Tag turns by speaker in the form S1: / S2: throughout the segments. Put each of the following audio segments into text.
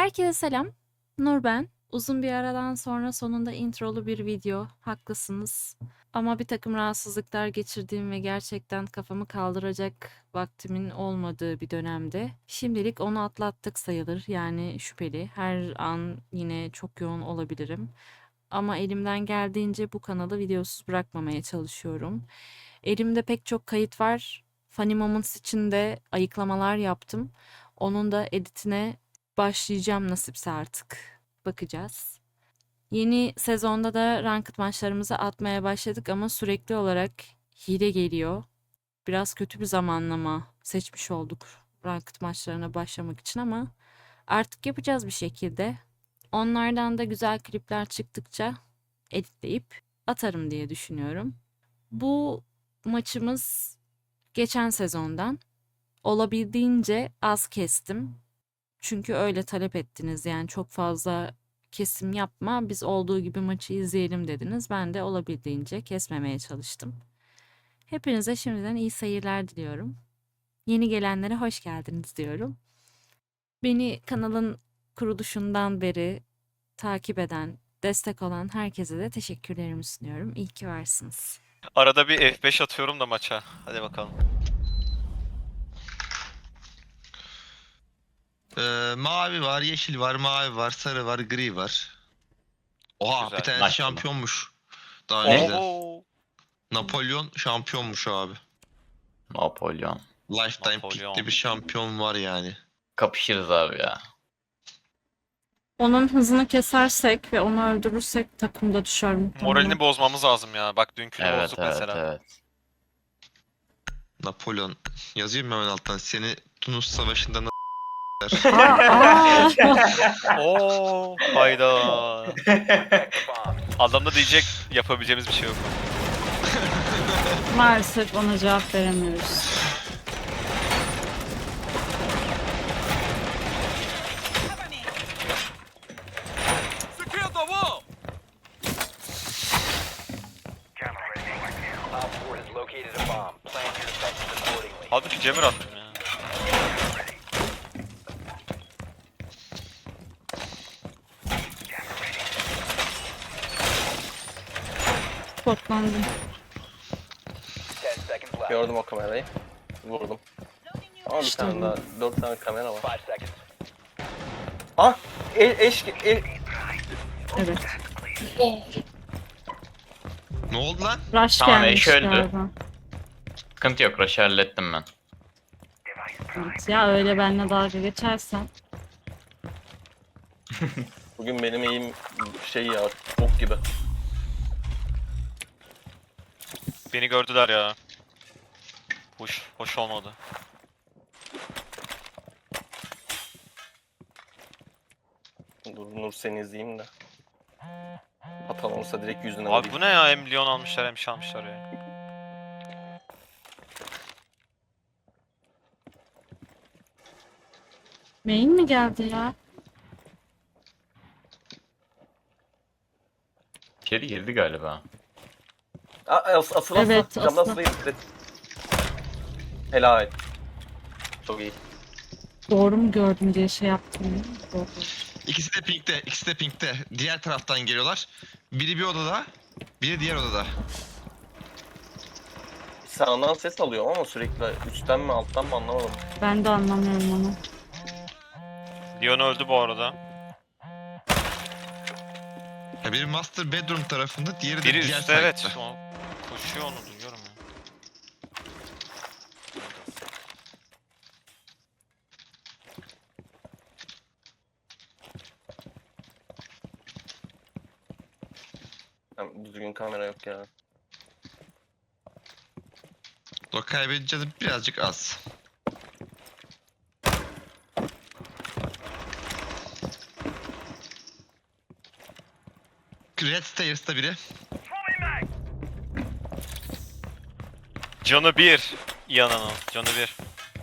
S1: Herkese selam. Nur ben. Uzun bir aradan sonra sonunda introlu bir video. Haklısınız. Ama bir takım rahatsızlıklar geçirdiğim ve gerçekten kafamı kaldıracak vaktimin olmadığı bir dönemde. Şimdilik onu atlattık sayılır. Yani şüpheli. Her an yine çok yoğun olabilirim. Ama elimden geldiğince bu kanalı videosuz bırakmamaya çalışıyorum. Elimde pek çok kayıt var. Funny Moments için de ayıklamalar yaptım. Onun da editine başlayacağım nasipse artık. Bakacağız. Yeni sezonda da ranked maçlarımızı atmaya başladık ama sürekli olarak hile geliyor. Biraz kötü bir zamanlama seçmiş olduk ranked maçlarına başlamak için ama artık yapacağız bir şekilde. Onlardan da güzel klipler çıktıkça editleyip atarım diye düşünüyorum. Bu maçımız geçen sezondan. Olabildiğince az kestim. Çünkü öyle talep ettiniz. Yani çok fazla kesim yapma, biz olduğu gibi maçı izleyelim dediniz. Ben de olabildiğince kesmemeye çalıştım. Hepinize şimdiden iyi seyirler diliyorum. Yeni gelenlere hoş geldiniz diyorum. Beni kanalın kuruluşundan beri takip eden, destek olan herkese de teşekkürlerimi sunuyorum. İyi ki varsınız.
S2: Arada bir F5 atıyorum da maça. Hadi bakalım.
S3: Mavi var, yeşil var, mavi var, sarı var, gri var. Oha,
S2: Güzel.
S3: bir tanesi
S4: Nice.
S3: şampiyonmuş. Daha
S4: Ne?
S3: önceden.
S2: Oo.
S3: Napolyon şampiyonmuş abi.
S4: Napolyon.
S3: Lifetime
S2: Napolyon.
S3: Peak'te bir şampiyon var yani.
S4: Kapışırız abi ya.
S1: Onun hızını kesersek ve onu öldürürsek takımda düşer muhtemelen.
S2: Moralini bozmamız lazım ya. Bak dünkünü
S4: Evet
S2: bozduk
S4: evet
S2: mesela.
S4: evet.
S3: Napolyon. Yazayım mı hemen alttan? Seni Tunus Savaşı'nda
S2: Oo, hayda. Adamda diyecek yapabileceğimiz bir şey yok.
S1: Maalesef ona cevap veremiyoruz.
S2: Halbuki Cemir attım ya.
S1: Spotlandım.
S5: Gördüm o kamerayı. Vurdum. Ama bir
S1: İşte
S5: tane
S1: bu.
S5: daha, 4 tane kamera var. Ah! Eş...
S1: Evet.
S3: Ne oldu lan?
S1: Rush
S4: Tamam,
S1: gelmiş
S4: eş öldü.
S1: galiba.
S4: Sıkıntı yok. Rush'ı hallettim ben.
S1: Evet, ya öyle benimle dalga geçersen.
S5: Bugün benim eğim şey ya, bok gibi.
S2: Beni gördüler ya. Hoş olmadı.
S5: Dur Nur seni izleyeyim de. Hatan olursa direkt yüzüne
S2: Abi
S5: vurayım.
S2: bu ne ya? Hem Lyon almışlar hem şey almışlar ya.
S1: Main mi geldi ya?
S4: İçeri girdi galiba.
S5: Asıl
S1: Evet,
S5: camda
S1: asıl.
S5: asılı evet. Helal. Çok iyi.
S1: Doğru mu gördüm diye şey yaptım ya. Doğru.
S3: İkisi de pinkte, ikisi de pinkte. Diğer taraftan geliyorlar. Biri bir odada, biri diğer odada.
S5: Sağından ses alıyorum ama sürekli üstten mi alttan mı anlamadım.
S1: Ben de anlamıyorum onu.
S2: Lyon öldü bu arada.
S3: Ya biri master bedroom tarafında, diğeri de
S2: Biri
S3: diğer
S2: üstte evet.
S3: side'da.
S2: O koşuyor, onu duyuyorum ya.
S5: Düzgün kamera yok ya.
S3: O kaybedeceğiz birazcık az. Red Stairs'ta biri.
S2: Canı bir. Yananın. Canı bir.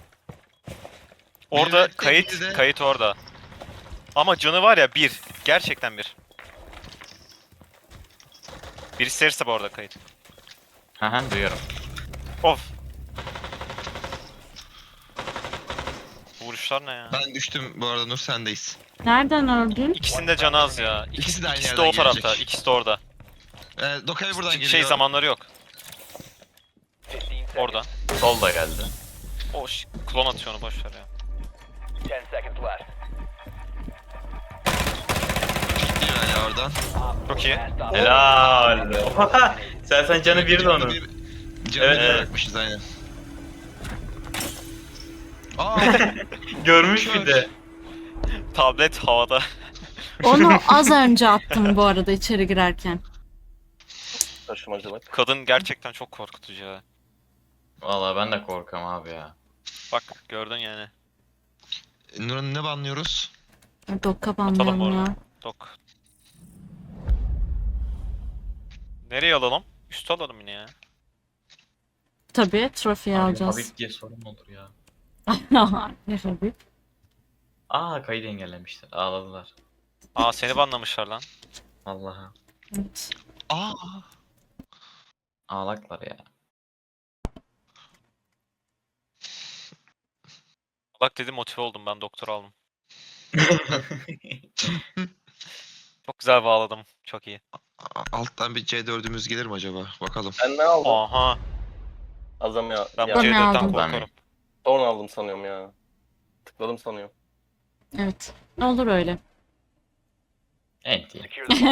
S2: Orada
S3: Evet, biri de-
S2: kayıt orada. Ama canı var ya bir. Gerçekten bir. Biri serse bu arada kayıt.
S4: Haha, duyuyorum.
S2: Of. vuruşlar ne ya?
S3: Ben düştüm bu arada, Nur sendeyiz.
S1: Nereden öldün?
S2: İkisinin de canı az ya.
S3: İkisi de aynı
S2: İkisi de
S3: yerden
S2: o tarafta.
S3: gelecek.
S2: İkisi de orada.
S3: Dokaya buradan
S2: Çünkü
S3: geliyor.
S2: zamanları yok. Orada.
S4: Sol da geldi.
S2: O klon atıyor onu boşver ya.
S3: Gidiyor hala oradan.
S2: Çok iyi.
S4: Helal. Sen canı bir de onun.
S3: Canı
S4: Evet,
S3: bir
S4: evet.
S3: bırakmışız aynen. Aa,
S4: Görmüş bir de.
S2: Tablet havada.
S1: Onu az önce attım bu arada içeri girerken.
S5: Taşımacılık.
S2: Kadın gerçekten çok korkutucu ya.
S4: Vallahi ben de korkam abi ya.
S2: Bak gördün yani.
S3: Nur'un ne banlıyoruz?
S1: Dokka
S2: Atalım
S1: banlıyorum
S2: orada.
S1: ya.
S2: Dok. Nereye alalım? Üstü alalım yine ya.
S1: Tabii trofiyi
S4: Abi,
S1: alacağız.
S4: Habib diye sorun olur ya.
S1: Ne Habib?
S4: Aa kaydı engellemişler. Ağladılar.
S2: Aa seni banlamışlar lan.
S4: Allah'a.
S1: Evet.
S3: Aa,
S4: Ağlaklar ya.
S2: Bak dedim motive oldum ben doktor aldım. Çok güzel bağladım. Çok iyi.
S3: alttan bir C4'ümüz gelir mi acaba? Bakalım.
S5: Ben ne aldım?
S2: Aha.
S5: Azam ya.
S2: Ben bu
S1: Ben ne
S2: C4'ten
S1: aldım?
S2: korkarım.
S5: Sonra aldım sanıyorum ya. Tıkladım sanıyorum.
S1: Evet. Olur öyle.
S4: Evet iyi.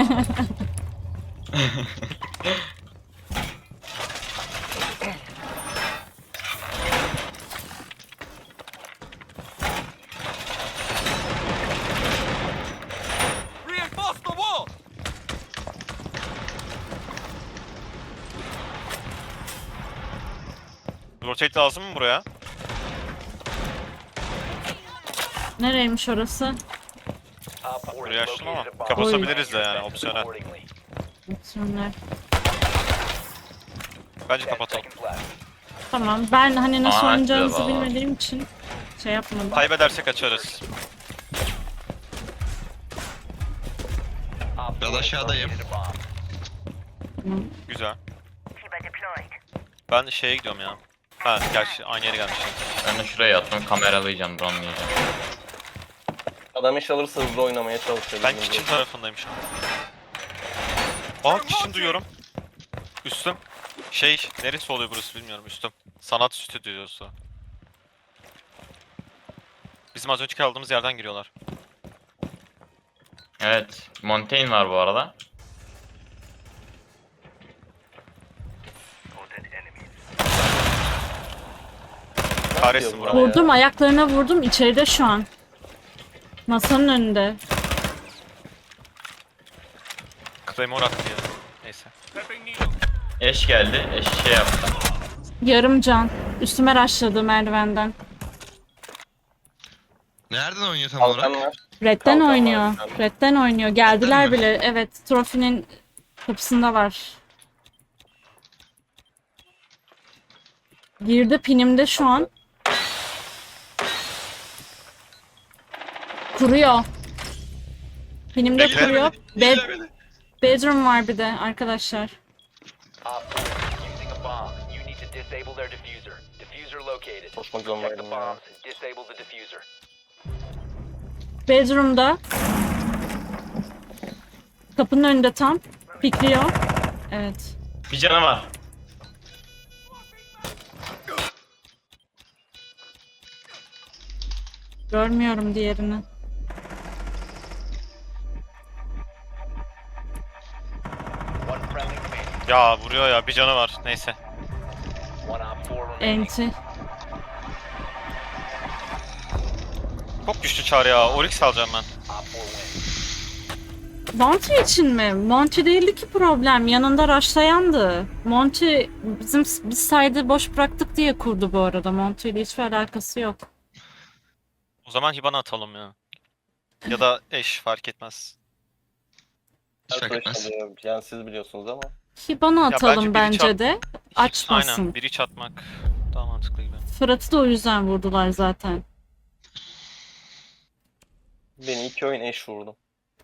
S2: Rotate lazım mı buraya?
S1: Nereymiş orası?
S2: Burayı açtım ama kapatabiliriz de yani opsiyonel.
S1: Opsiyonlar.
S2: Bence kapatalım.
S1: Tamam. Ben hani nasıl
S4: Aa,
S1: oynayacağınızı
S4: acaba.
S1: bilmediğim için şey yapmadım.
S2: Kaybedersek açarız.
S3: Biraz aşağıdayım.
S2: Güzel. Ben şeye gidiyorum ya. Ha gerçi aynı yere gelmişim.
S4: Ben de şuraya attım kameralayacağım, dronelayacağım.
S5: Adam iş alırsa hızlı oynamaya çalışıyor.
S2: Ben
S5: bizim
S2: kitchen
S5: gibi.
S2: tarafındayım şu an. Aa kitchen duyuyorum. Üstüm. Neresi oluyor burası bilmiyorum üstüm. Sanat stüdyosu. Bizim az önceki aldığımız yerden giriyorlar.
S4: Evet. Montaigne var bu arada.
S2: Kahretsin
S5: yapıyor
S2: buranın.
S5: bu?
S1: Vurdum, ayaklarına vurdum. İçeride şu an. Masanın önünde.
S2: Claymore attı ya. Neyse.
S4: Eş geldi. Eş şey yaptı.
S1: Yarım can. Üstüme rushladı merdivenden.
S3: Nereden oynuyor tam
S5: Kalkan
S3: olarak?
S5: var.
S1: Red'den
S5: Kalkan var
S1: oynuyor.
S5: bir tane.
S1: Red'den oynuyor. Geldiler
S3: mi?
S1: bile. Evet, trofinin kapısında var. Girdi pinimde şu an. Kuruyor. Pinimde
S3: Bekle
S1: kuruyor.
S3: beni, bekle beni.
S1: Bedroom var bir de arkadaşlar.
S6: Using a bomb. You need to disable their diffuser. Diffuser located.
S5: Koşmak
S6: Check the
S5: zorundaydım ya.
S6: bombs and disable the diffuser.
S1: Bedroom'da. Kapının önünde tam. Pikliyor. Evet.
S4: Bir canı var.
S1: Görmüyorum diğerini.
S6: One friendly remaining.
S2: Ya vuruyor ya bir canı var. Neyse.
S6: One op 4 remaining.
S1: Enti.
S2: Çok güçlü çağrı ya. Oryx alacağım ben.
S6: Op 4 win.
S1: Monty için mi? Monty değildi ki problem. Yanında rushlayandı. Monty biz side'ı boş bıraktık diye kurdu bu arada. Monty ile hiçbir alakası yok.
S2: O zaman Hiban'a atalım ya. Ya da eş fark etmez.
S3: Hiç fark
S5: Arkadaşlar
S3: etmez.
S5: diyor, yani siz biliyorsunuz ama.
S1: Hiban'a
S2: bence
S1: atalım
S2: biri
S1: bence de. Açmasın.
S2: Aynen biri çatmak daha mantıklı gibi.
S1: Fırat'ı da o yüzden vurdular zaten.
S5: Beni 2 oyun eş vurdu.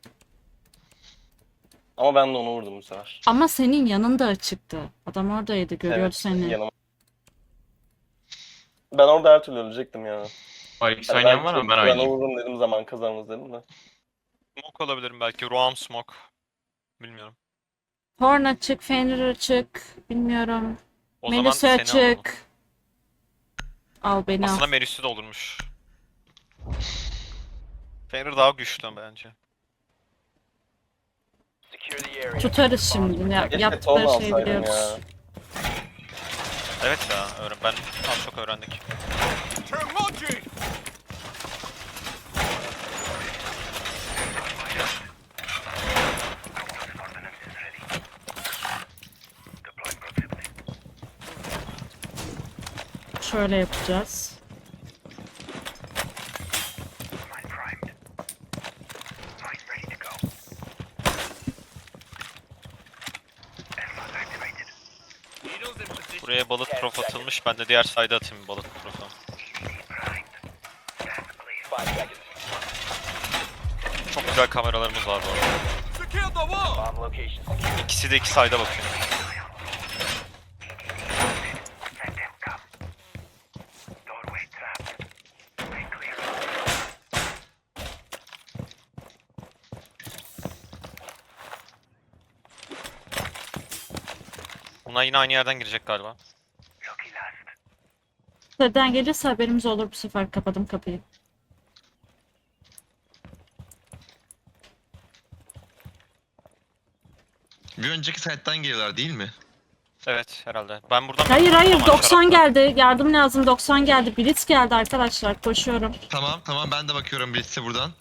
S5: Ama ben de onu vurdum bu sefer.
S1: Ama senin yanında açıktı. Adam oradaydı, görüyordu
S5: Evet,
S1: seni.
S5: yanıma. Ben orada her türlü ölecektim ya.
S4: O ikisi oynayan var ama ben
S5: Ben
S4: oynayayım.
S5: olurum dedim, zaman kazanırız dedim de.
S2: Smoke olabilirim belki. Roam smoke. Bilmiyorum.
S1: Horn açık, Fenrir açık. Bilmiyorum.
S2: O zaman
S1: Melis'i
S2: seni alalım.
S1: açık. Al beni
S2: Aslında
S1: al.
S2: Melis'i de olurmuş. Fenrir daha güçlü bence.
S6: Secure the area.
S1: Tutarız şimdi.
S5: Keşke Tom
S1: Yaptıkları şeyi
S5: alsaydım
S1: biliyoruz.
S5: ya.
S2: Evet ya, ben az çok öğrendik.
S1: Şöyle yapacağız.
S2: Buraya balık prof atılmış. Ben de diğer side'a atayım balık profu.
S6: 5 seconds.
S2: Çok güzel kameralarımız var bu arada.
S6: Bomb location secure.
S2: İkisi de iki side'a bakıyor. Bunlar yine aynı yerden girecek galiba.
S1: Nereden gelirse haberimiz olur bu sefer. Kapadım kapıyı.
S3: Bir önceki site'den geliyorlar değil mi?
S2: Evet herhalde. Ben buradan...
S1: Hayır hayır,
S2: Aman
S1: 90
S2: şarapla.
S1: geldi. Yardım lazım, 90 geldi. Blitz geldi arkadaşlar. Koşuyorum.
S3: Tamam ben de bakıyorum birisi buradan.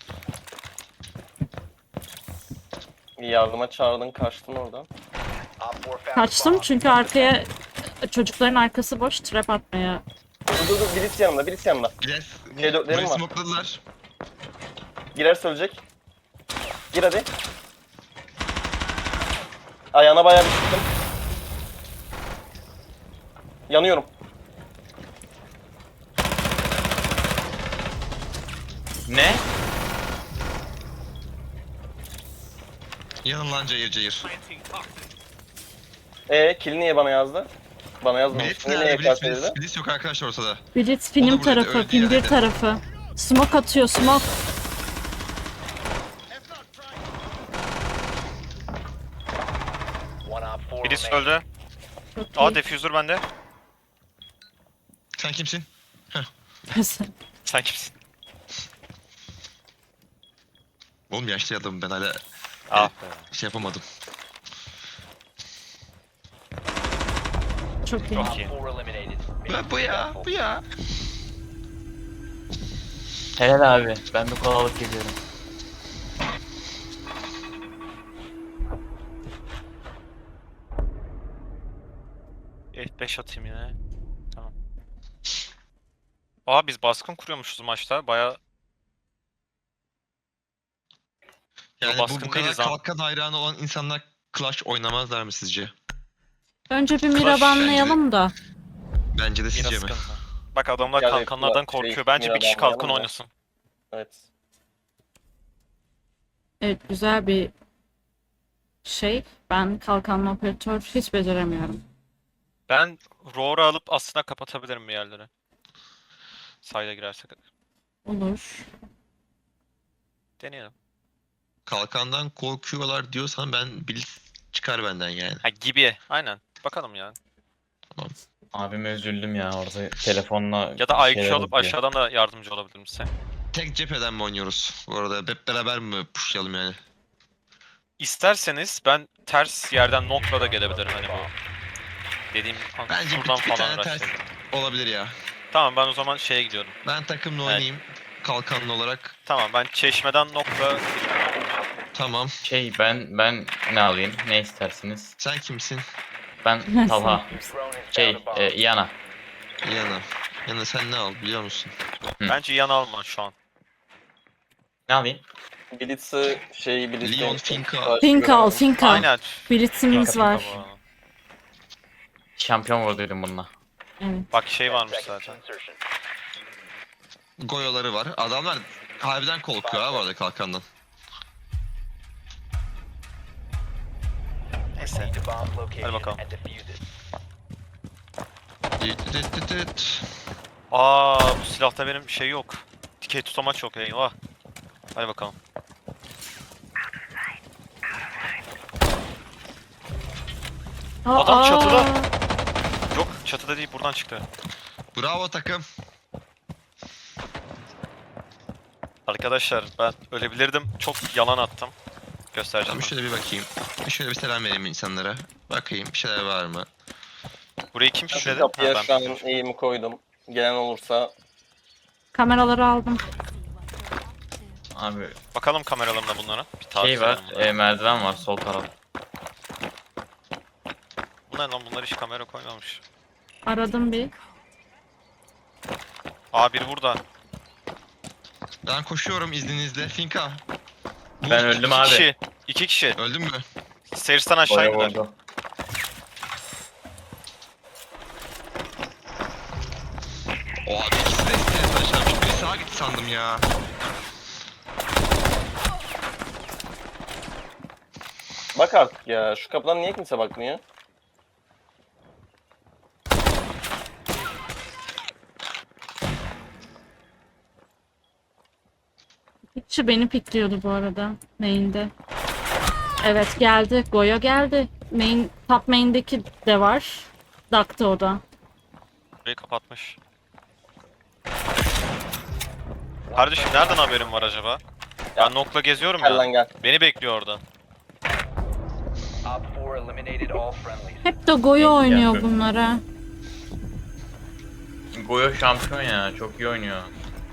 S5: Yardıma çağırdın, kaçtın oradan.
S6: Op 4 found a
S1: Kaçtım
S6: bomb.
S1: çünkü arkaya çocukların arkası boş, trap atmaya.
S5: Dur, birisi yanımda, birisi yanımda.
S3: Biles.
S5: C4'lerim
S3: Burayı
S5: var.
S3: smokladılar.
S5: Girerse ölecek. Gir hadi. Ayağına bayağı bir sıktım. Yanıyorum.
S4: Ne?
S3: Yanın lan cayır cayır.
S5: Kill niye bana yazdı? Bana yazmamış.
S3: Blitz
S5: Niye
S3: nerede?
S5: EKS
S3: Blitz,
S5: dedi?
S3: Blitz yok arkadaşlar ortada.
S1: Blitz film
S3: Onu burada
S1: tarafı,
S3: öldü
S1: film 1
S3: herhalde.
S1: tarafı. Smoke atıyor, smoke.
S6: One op 4
S2: Birisi
S6: remaining.
S2: öldü.
S1: Çok
S2: Aa
S1: iyi.
S2: diffuser bende.
S3: Sen kimsin?
S2: Sen kimsin?
S3: Oğlum yaşlı adamım ben hala
S2: Ah be.
S3: şey yapamadım.
S1: Çok iyi.
S2: Çok iyi.
S6: Op 4 eliminated. Mission
S3: Bu ya,
S6: successful.
S3: bu ya.
S4: Helal abi. Ben bir kola alıp geliyorum.
S2: F5 atayım yine. Tamam. Aa biz baskın kuruyormuşuz maçta. Baya
S3: Yani
S2: baskın
S3: bu kadar
S2: değiliz ha.
S3: kalkan hayranı olan insanlar Clash oynamazlar mı sizce?
S1: Önce bir mira banlayalım da.
S3: Bence de
S2: yine
S3: sizce mi?
S2: sıkıntı. Bak adamlar
S5: Yani
S2: kalkanlardan
S5: şey,
S2: korkuyor. Bence bir kişi
S5: Mira'dan
S2: kalkan
S5: da.
S2: oynasın.
S5: Evet.
S1: Evet, güzel bir şey. Ben kalkanlı operatör hiç beceremiyorum.
S2: Ben roar'u alıp aslında kapatabilirim bir yerleri. Sayda girersek.
S1: Olur.
S2: Deneyelim.
S3: Kalkandan korkuyorlar diyorsan ben Blitz çıkar benden yani.
S2: Ha gibi. Aynen. Bakalım yani.
S4: Abime üzüldüm ya orada telefonla
S2: Ya da
S4: bir
S2: IQ
S4: şeyler
S2: alıp
S4: yapıyor.
S2: aşağıdan da yardımcı olabilir misin?
S3: Tek cepheden mi oynuyoruz? Bu arada hep beraber mi pushlayalım yani?
S2: İsterseniz ben ters yerden nokla da gelebilirim hani bu. Dediğim
S3: Bence
S2: şuradan
S3: bir
S2: falan
S3: tane ters
S2: uğraşayım.
S3: olabilir ya.
S2: Tamam ben o zaman şeye gidiyorum.
S3: Ben takımla
S2: Evet.
S3: oynayayım. Kalkanlı olarak.
S2: Tamam ben çeşmeden nokla
S3: Tamam.
S4: Ben ne alayım? Ne istersiniz?
S3: Sen kimsin?
S4: Ben Talha.
S6: Drone has found a bomb.
S4: Yana.
S3: Yana. Yana sen ne al biliyor musun?
S2: Bence yan alma şu an.
S4: Ne alayım?
S5: Blitz'i Blitz'i...
S3: Leon Finka.
S1: Fink al, fink al.
S2: Aynen.
S1: Blitz'imiz
S2: Pika
S1: var.
S2: pika bu arada.
S4: Şampiyon vurduydum bununla.
S1: Evet.
S2: Bak şey
S6: 10
S2: varmış
S6: seconds to
S2: zaten.
S6: insertion.
S3: Goyoları var. Adamlar harbiden korkuyor ha bu arada kalkandan.
S2: Neyse.
S6: Need the bomb location
S2: bakalım.
S6: and defuse it.
S3: Dit dit dit dit.
S2: Aa bu silahta benim şey yok. Dikey tutamaç yok eyvah. Hadi bakalım. Adam çatıda. Yok çatıda değil buradan çıktı.
S3: Bravo takım.
S2: Arkadaşlar ben ölebilirdim. Çok yalan attım. Göstereceğim.
S3: Tamam şöyle bir bakayım. Şöyle bir selam vereyim insanlara. Bakayım bir şeyler var mı?
S2: Burayı kim
S5: Şu
S2: şişledi?
S5: kapıya
S2: Ha,
S5: şu an
S2: ben
S5: eğimi koydum. Gelen olursa
S1: Kameraları aldım.
S7: Abi
S2: bakalım kameralarımda bunlara. Bir tarif
S7: şey var,
S2: edelim bunlara.
S7: merdiven var sol taraf.
S2: Bunlar lan bunlar hiç kamera koymamış.
S1: Aradım bir.
S2: Aa biri burada.
S3: Ben koşuyorum izninizle. Finka.
S7: Ben öldüm
S2: İki
S7: abi.
S2: kişi. 2 kişi.
S3: Öldün mü?
S2: Stairs'tan aşağı
S7: Boya
S2: indiler.
S7: vurdu.
S3: O abi ikisi de isteyen aşağımış. Biri sağa gitti sandım ya.
S5: bak artık ya. Şu kapıdan niye kimse bakmıyor?
S1: Bir kişi beni pikliyordu bu arada. Main'de. Evet geldi. Goya geldi. Main, top main'deki de var. Duck'ta o da.
S2: Burayı kapatmış. Kardeşim nereden haberin var acaba? Ben Nok'la geziyorum
S5: Gel lan
S2: ya.
S5: gel.
S2: Beni bekliyor orada.
S6: Op 4 eliminated all friendlies.
S1: Hep de Goya oynuyor
S7: Gel.
S1: bunlara.
S7: Goyo şampiyon ya, çok iyi oynuyor.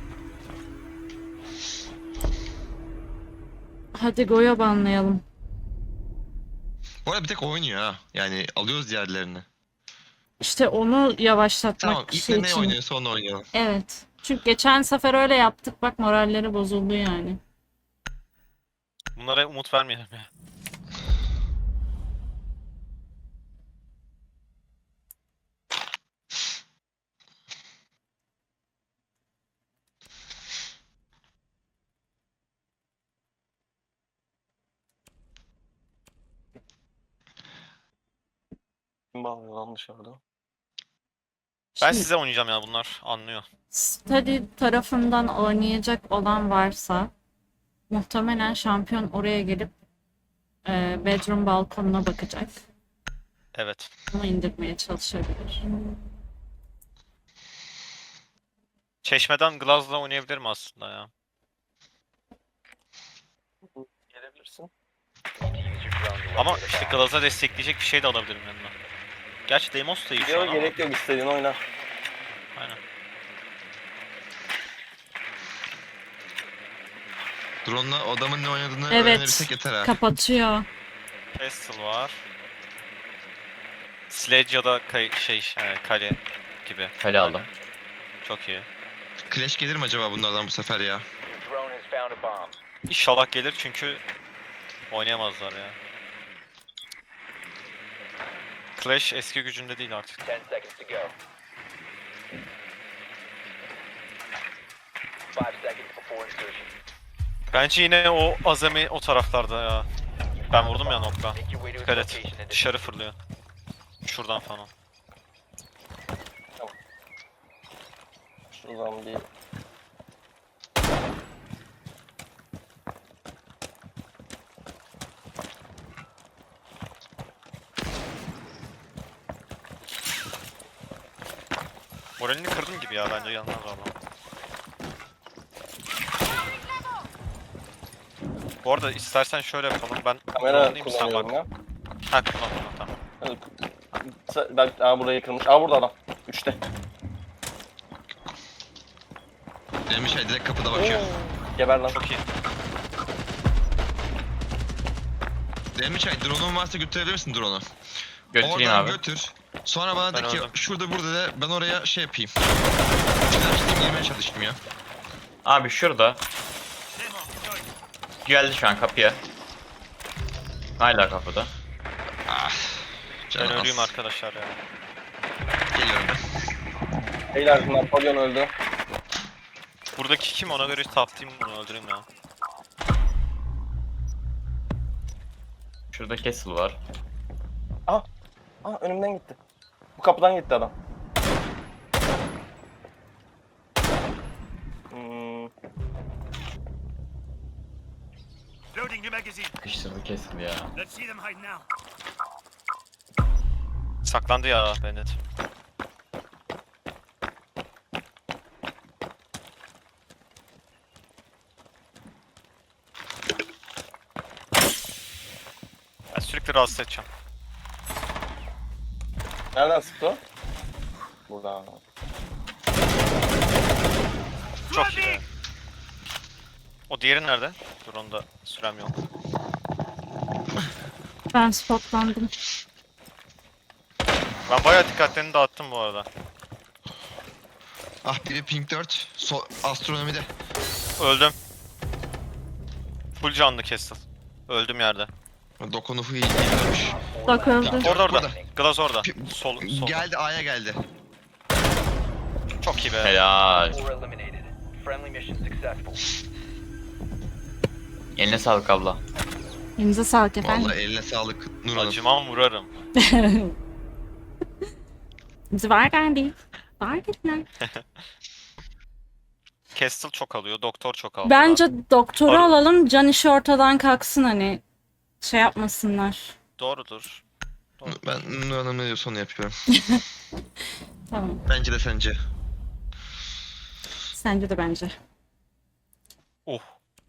S1: Hadi Goya banlayalım.
S3: Bu arada bir tek oynuyor ha. Yani alıyoruz diğerlerini.
S1: İşte onu yavaşlatmak
S3: Tamam ilk
S1: şey
S3: de ne
S1: için.
S3: oynuyorsa onu oynayalım.
S1: Evet. Çünkü geçen sefer öyle yaptık. Bak moralleri bozuldu yani.
S2: Bunlara umut vermeyelim ya.
S5: Kim bağırıyor lan dışarıda?
S2: Ben
S1: Şimdi
S2: size oynayacağım ya bunlar anlıyor.
S1: study tarafından oynayacak olan varsa muhtemelen şampiyon oraya gelip bedroom balkonuna bakacak.
S2: Evet.
S1: Onu indirmeye çalışabilir.
S2: Çeşmeden Glaz'la oynayabilirim aslında ya.
S5: Gelebilirsin.
S6: Use your drone to
S2: Ama
S6: locate a
S2: işte
S6: bomb.
S2: Glaz'a destekleyecek bir şey de alabilirim yanına. Gerçi Deimos da iyi şu an
S5: Yok
S2: ama.
S5: gerek yok istediğin oyna.
S2: Aynen.
S3: Drone'la adamın ne oynadığını
S1: Evet.
S3: öğrenebilsek yeter ha.
S1: Kapatıyor.
S2: Pestle var. Sledge ya da kale gibi.
S7: Kale aldım.
S2: Çok iyi.
S3: Clash gelir mi acaba bunlardan bu sefer ya?
S6: Your drone has found a bomb.
S2: İnşallah gelir çünkü oynayamazlar ya. Clash eski gücünde değil artık.
S6: 10 seconds to go. 5 seconds before insertion.
S2: Bence yine o azami o taraflarda ya. Ben vurdum ya nokta.
S6: Make your way to its
S2: Dikkat et.
S6: location and
S2: Dışarı fırlıyor. Şuradan falan.
S5: Şuradan bir...
S2: Moralini kırdım gibi ya bence yanlar valla. Bu arada istersen şöyle yapalım. Ben
S5: Kamera
S2: kullanayım, sen
S5: kullanıyorum
S2: bak.
S5: ya.
S2: Ha kullan tamam.
S5: Hadi. Bak burayı kırmış. Aa burada adam. 3'te.
S3: Benim şey direkt kapıda bakıyor.
S5: Geber lan.
S2: Çok iyi.
S3: Demiş şey drone'un varsa götürebilir misin drone'u?
S7: Götüreyim
S3: Oradan
S7: abi.
S3: götür. Sonra bana
S2: Ben
S3: de ki
S2: öldüm.
S3: şurada burada de ben oraya şey yapayım. Flash'layayım girmeye çalışayım ya.
S7: Abi şurada. Geldi şu an kapıya. Hala kapıda.
S3: Ah.
S2: Ben
S3: Canım
S2: ölüyüm
S3: az.
S2: arkadaşlar ya.
S3: Geliyorum ben.
S5: Beyler Napolyon öldü.
S2: Buradaki kim ona göre taptayım bunu öldüreyim ya.
S7: Şurada Castle var.
S5: Aa önümden gitti. Bu kapıdan gitti adam.
S7: Sıkıştırdı kesildi ya.
S2: Saklandı ya Bennett. Ben sürekli rahatsız edeceğim.
S5: Nereden sıktı o? Buradan.
S2: Çok iyi be. O diğeri nerede? Dur onu da sürem yok.
S1: Ben spotlandım.
S2: Ben bayağı dikkatlerini dağıttım bu arada.
S3: Ah biri pink 4. Astronomide.
S2: Öldüm. Full canlı Castle. Öldüm yerde.
S3: Dokunufu iyi dönmüş.
S1: Bak öldü.
S2: Orada orada.
S3: Burada.
S2: Glass orada.
S3: Pi-
S2: Solda.
S3: Geldi A'ya geldi.
S2: Çok iyi be.
S7: Helal.
S6: 4 eliminated. Friendly mission successful.
S7: Eline sağlık abla.
S1: Elinize sağlık efendim.
S3: Vallahi eline sağlık Nur Hanım.
S2: Acımam vurarım.
S1: Var geldi. Var geldiler.
S2: Castle çok alıyor. Doktor çok alıyor.
S1: Bence doktoru
S2: Ar-
S1: alalım. Can işi ortadan kalksın hani. Şey yapmasınlar.
S2: Doğrudur.
S3: Ben Nur Hanım ne diyorsa onu yapıyorum.
S1: Tamam.
S3: Bence de sence.
S1: Sence de bence.
S2: Oh.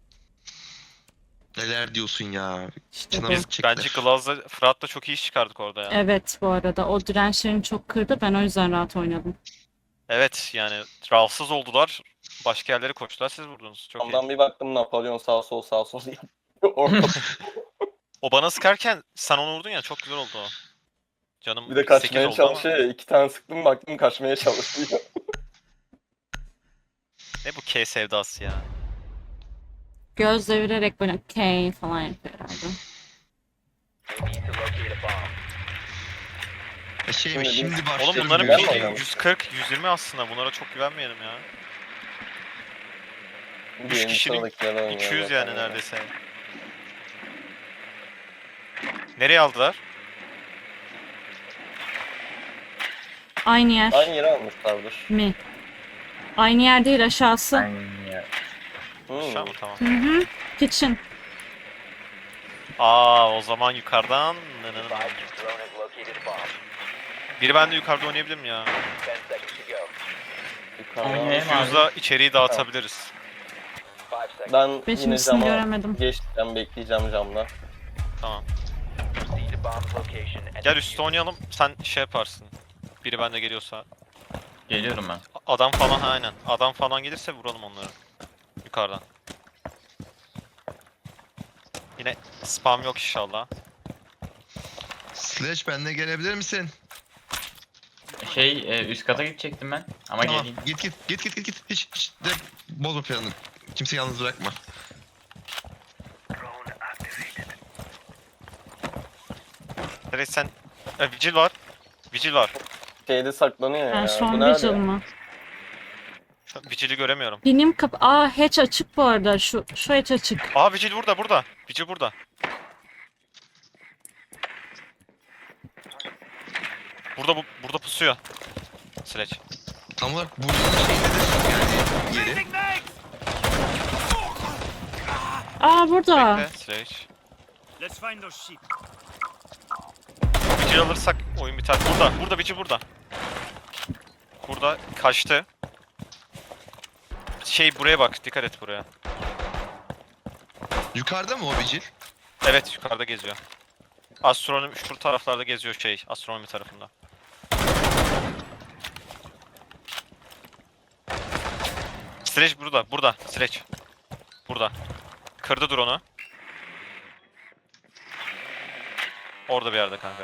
S3: Neler diyorsun ya?
S1: İşte bu.
S3: Canımız çektiler.
S2: Bence Glass'la Fırat'la çok iyi iş çıkardık orada ya.
S1: Evet bu arada. O dirençlerini çok kırdı. Ben o yüzden rahat oynadım.
S2: Evet yani rahatsız oldular. Başka yerlere koştular. Siz vurdunuz. Çok iyi.
S5: Ondan bir baktım Napolyon sağ sol sağ sol diye. Orada
S2: O bana sıkarken sen onu vurdun ya çok güzel oldu o. Canım
S5: bir de
S2: 8
S5: kaçmaya
S2: oldu ama.
S5: çalışıyor ya. 2 tane sıktım baktım kaçmaya çalışıyor.
S2: Ne bu K sevdası ya.
S1: Göz devirerek böyle K falan yapıyor herhalde.
S6: You need to locate a bomb.
S3: Şeymiş
S5: Şimdi
S3: şimdi
S5: biz-
S3: başlıyoruz.
S2: Oğlum bunların
S5: güven
S2: pili
S5: mi oynamış?
S2: 140, 120 aslında. Bunlara çok güvenmeyelim ya.
S5: Birinci
S2: kişinin
S5: sıradakiler oynuyor
S2: 200
S5: zaten
S2: yani
S5: ya.
S2: neredeyse. Nereye aldılar?
S1: Aynı yer
S5: Aynı yere almışlardır.
S1: mi? Aynı yer değil aşağısı.
S2: Aşağı mı? Tamam.
S1: Hı hı. Kitchen.
S2: Aa o zaman yukarıdan.
S6: Advise your drone has located a bomb.
S2: Biri ben de yukarıda oynayabilir mi ya?
S6: 10 seconds to go.
S5: Yukarıdan.
S7: Oynayayım abi.
S2: Fuse'la içeriği dağıtabiliriz.
S6: 5 seconds.
S5: Ben
S1: Beşincisini
S5: yine cama
S1: göremedim.
S5: geçeceğim, bekleyeceğim camda.
S2: Tamam.
S6: Proceed to bomb's location and
S2: Gel
S6: defuse
S2: üstte oynayalım. Sen şey yaparsın. Biri bende geliyorsa.
S7: Geliyorum ben.
S2: Adam falan aynen. Adam falan gelirse vuralım onları. Yukarıdan. Yine spam yok inşallah.
S3: Slash benle gelebilir misin?
S7: Üst kata gidecektim ben. Ama
S3: Tamam.
S7: geleyim.
S3: Git. Hiç de bozma planını. Kimseyi yalnız bırakma.
S2: Evet sen... Vigil var. Vigil var.
S5: Şeyde saklanıyor
S1: Ben
S5: ya.
S1: şu
S5: Bu
S1: an
S5: nerede?
S1: Vigil mı?
S2: Şu an Vigil'i göremiyorum.
S1: Benim hatch açık bu arada. Şu hatch açık.
S2: Aa Vigil burada. Vigil burada. Burada pusuyor. Sledge.
S3: Tam olarak buranın şeyindedir. Yani yeri.
S1: Aa burada.
S2: Bekle Sledge. Vigil alırsak oyun biter. Burada Vigil burada. Burada kaçtı. Buraya bak. Dikkat et buraya.
S3: Yukarıda mı o Vigil?
S2: Evet yukarıda geziyor. Astronomi şu taraflarda geziyor astronomi tarafında. Sledge burada. Sledge. Burada. Kırdı drone'u. Orada bir yerde kanka.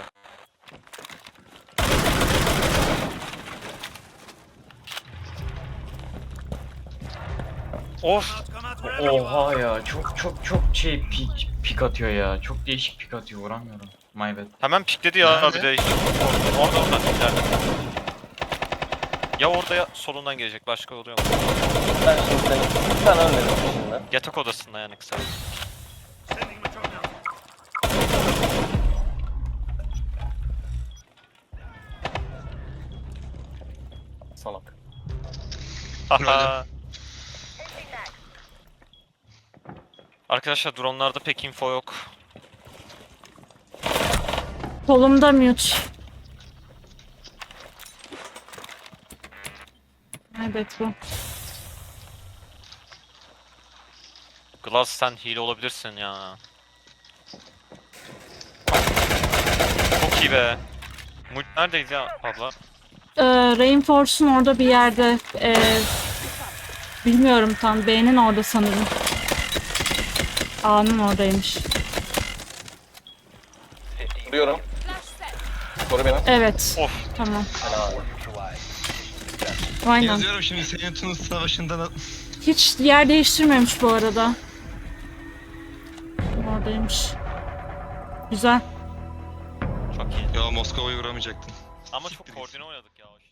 S2: Of.
S7: Oha ya çok pik atıyor ya. Çok değişik pik atıyor vuramıyorum. My bad.
S2: Hemen pikledi ya
S3: Nerede?
S2: bir de. Orada ileride. Ya orada ya solundan gelecek. Başka oluyor mu?
S5: Ben şimdi seni bir tane önledim şimdi.
S2: Yatak odasında yani kısa.
S5: Salak.
S2: Haha. Arkadaşlar dronlarda pek info yok.
S1: Kolumda mute. Evet bu.
S2: Glass sen hile olabilirsin ya. Çok iyi be. Mult neredeydi ya abla?
S1: Reinforce'un orada bir yerde. Bilmiyorum tam. B'nin orada sanırım. A'nın oradaymış.
S6: 15
S5: Vuruyorum. Koru beni.
S1: Evet.
S2: Of.
S1: Tamam.
S5: Helal.
S6: neutralized.
S1: Aynen.
S3: Yazıyorum şimdi senin Tunus Savaşı'nda da
S1: Hiç yer değiştirmemiş bu arada. Oradaymış. Güzel.
S2: Çok iyi.
S3: ya Moskova'yı vuramayacaktın.
S2: Ama çok koordine oynadık ya.